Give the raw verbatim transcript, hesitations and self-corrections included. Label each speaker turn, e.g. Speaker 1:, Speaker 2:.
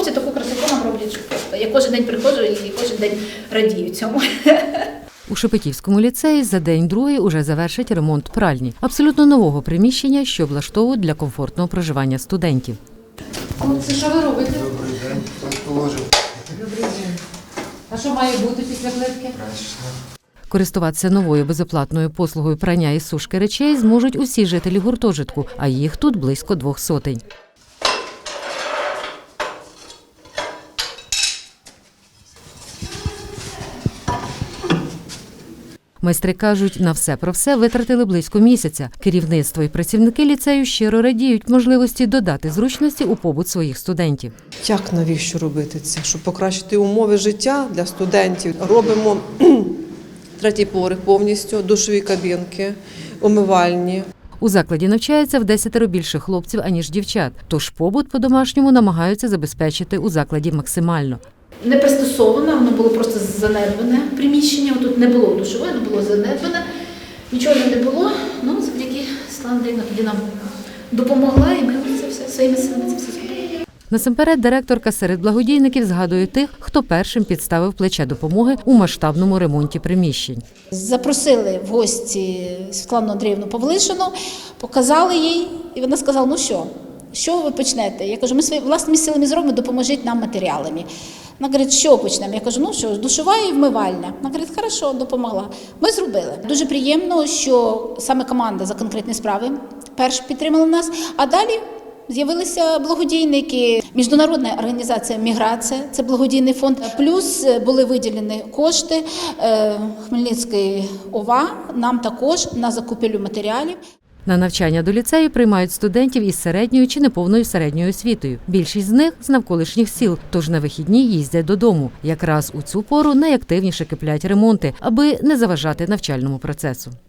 Speaker 1: хлопці таку красоту нам роблять, що просто. Я кожен день приходжу і кожен день радію цьому.
Speaker 2: У Шепетівському ліцеї за день-другий уже завершать ремонт пральні. Абсолютно нового приміщення, що облаштовують для комфортного проживання студентів.
Speaker 3: Це що ви робите?
Speaker 4: Добрий день, хтось положив.
Speaker 3: Добрий день. А що має бути після плитки?
Speaker 2: Користуватися новою безоплатною послугою прання і сушки речей зможуть усі жителі гуртожитку, а їх тут близько двох сотень. Майстри кажуть, на все про все витратили близько місяця. Керівництво і працівники ліцею щиро радіють можливості додати зручності у побут своїх студентів.
Speaker 5: Як навіщо робити це? Щоб покращити умови життя для студентів. Робимо третій поверх повністю, душові кабінки, умивальні.
Speaker 2: У закладі навчається в десятеро більше хлопців, аніж дівчат, тож побут по-домашньому намагаються забезпечити у закладі максимально.
Speaker 1: Не пристосоване, воно було просто занедбане приміщення, тут не було душової, воно було занедбане, нічого не було, ну завдяки Світлана Андріївна тоді нам допомогла і ми це все своїми силами це все зробили.
Speaker 2: Насамперед, директорка серед благодійників згадує тих, хто першим підставив плече допомоги у масштабному ремонті приміщень.
Speaker 6: Запросили в гості Світлану Андріївну Павлишину, показали їй, і вона сказала, ну що, що ви почнете? Я кажу, ми своїми власними силами зробимо, допоможіть нам матеріалами. Вона говорить, що почнемо? Я кажу, ну що, душова і вмивальня. Вона говорить, хорошо, допомогла. Ми зробили. Дуже приємно, що саме команда за конкретні справи перш підтримала нас, а далі з'явилися благодійники. Міжнародна організація «Міграція» – це благодійний фонд. Плюс були виділені кошти Хмельницької ОВА, нам також на закупівлю матеріалів.
Speaker 2: На навчання до ліцею приймають студентів із середньою чи неповною середньою освітою. Більшість з них з навколишніх сіл, тож на вихідні їздять додому. Якраз у цю пору найактивніше киплять ремонти, аби не заважати навчальному процесу.